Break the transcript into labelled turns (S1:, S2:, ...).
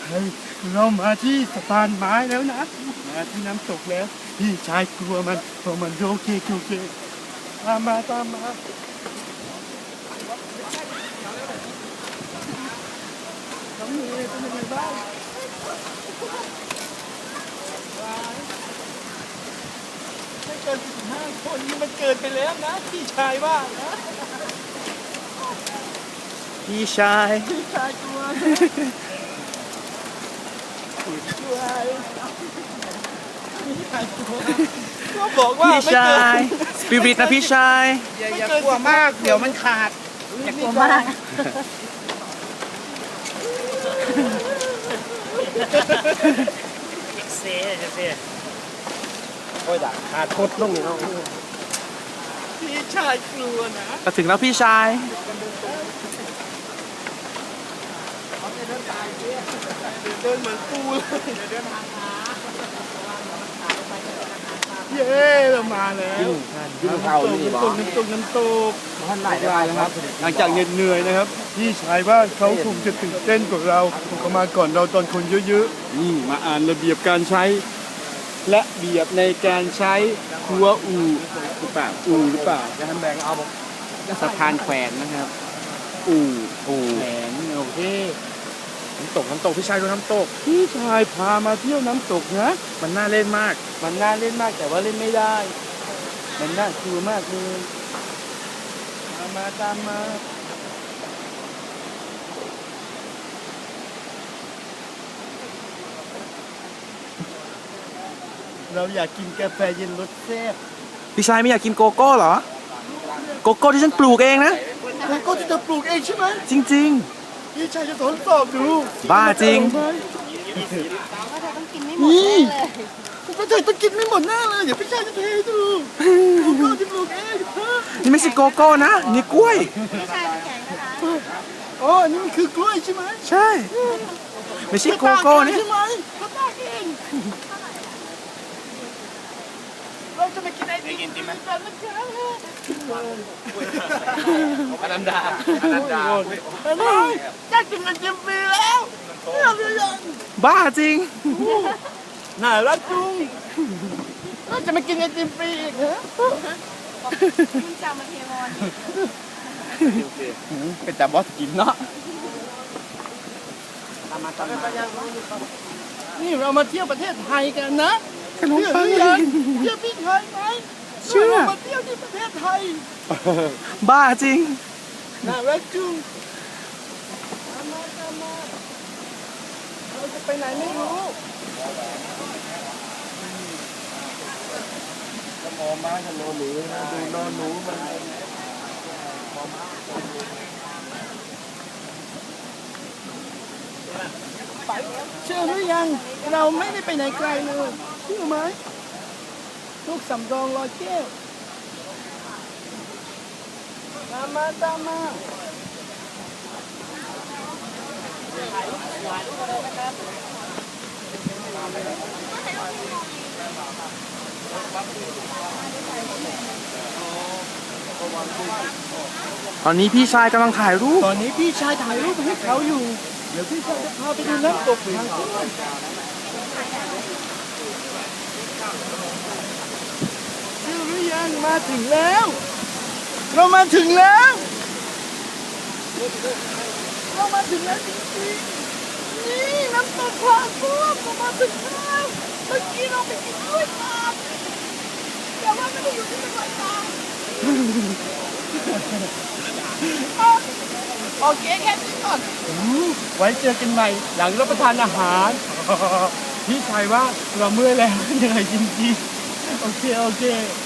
S1: เฮ้ยเรามาที่สะพานไม้แล้วนะมาที่น้ำตกแล้วพี่ชายกลัวมันเพราะมันโอเคตามมาน้องเมย์เป็นยังไงบ้างไม่เกิน15 คนนี่มันเกินไปแล้วนะพี่ชายว่านะ
S2: พี่ชาย
S1: กลัวพี่ชายกลัวก็บอกว่า
S2: พี่
S1: ไม่
S2: ชา
S1: เกิ
S2: ย
S1: น
S2: สปิริตนะพี่ชาย
S3: อย่ากลัวมากเดี๋ยวมันขาดอย่ากลัวมากเซ่โอ้ยด่าขาดโคตรลงเลยเนาะ
S1: พี่ชายกลัวนะ
S2: ก็ถึงแล้วพี่ชาย
S1: เดินเหมือนปูเลยเย้เรามาแล้วน้ำตก
S3: ท่านไหนได้นะครับ
S1: หลังจากเหนื่อยนะครับพี่ชายว่าเขาคงจะตื่นเต้นกว่าเราเขามาก่อนเราตอนคนเยอะๆนี่มาอ่านระเบียบการใช้และเบียบในการใช้ครัวอู่หรือเปล่า
S3: จะทำแบงเอาสะพานแขวนนะครับ
S1: อู่
S3: แขวน
S1: โอเคน้ำตกพี่ชายดูน้ำตกพี่ชายพามาเที่ยวน้ำตกนะมันน่าเล่นมากแต่ว่าเล่นไม่ได้มันน่ากลัวมากเลยตามมาเราอยากกินกาแฟเย็นรสแซ่บ
S2: พี่ชายไม่อยากกินโกโก้เหรอ โกโก้ที่ฉันปลูกเองนะ
S1: โกโก้ที่เธอปลูกเองใช่ไหม
S2: จริง
S1: พี่ชายจะทดสอบดู
S2: บ้าจริง
S1: นี่ก็เธอต้องกินไม่หมดแน่เลยเดี๋ยวพี่ชายจะเทให้ดูโกโก้ที่ปลูกเอง
S2: ๆ นี่ไม่ใช่โกโก้นะ นี่กล้วย
S1: อ๋อนี่มันคือกล้วยใช่ไหม
S2: ใช่ ไม่ใช่โกโก้นะ
S1: ใช่ไหมเขาตากเองเราจะไปกินไอติมกันนะครับ
S3: อนันดา
S1: จะกินไอติมฟรีแล้วเราจะยัง
S2: บ้าจริง
S1: น่ารักจุงเราจะมากินไอติมฟรีอีกเหรอ
S4: คุณจำมาเทมอน
S3: เป็นแต่บอสกินเนาะ
S1: นี่เรามาเที่ยวประเทศไทยกันนะ
S2: ขนมปัง
S1: เที่ยวพี่ไทยไหม
S2: เชื่อ
S1: เรามาเที่ยวที่ประเทศไทย
S2: บ้าจริง
S1: น่ารักจุงตามมาเราจะไปไหนไม่รู้มอม้ากับโนหนูนะดูนอนหนูมันเชื่อหรือยังเราไม่ได้ไปไหนไกลเลยเชื่อไหมลูกสำรองรอยแก้วตามมา
S2: ตอนนี้พี่ชายกำลังถ่ายรูป
S1: ตอนนี้พี่ชายถ่ายรูปให้เขาอยู่เดี๋ยวพี่ชายจะพาไปดูน้ำตกทางขึ้นเชื่อหรือยังมาถึงแล้ว เรามาถึงแล้วจริงๆนี่น้ำตกพลากุ้งเรามาถึงแล้วเมื่อกี้เราไปกินกล้วยตากแต่ว่าไม่ได้อยู่ที่จังหวัดตากโอเคแค่นี้ก่อนไว้เจอกันใหม่หลังรับประทานอาหาร พี่ชายว่าเราเมื่อยแล้วเหนื่อยจริงๆโอเค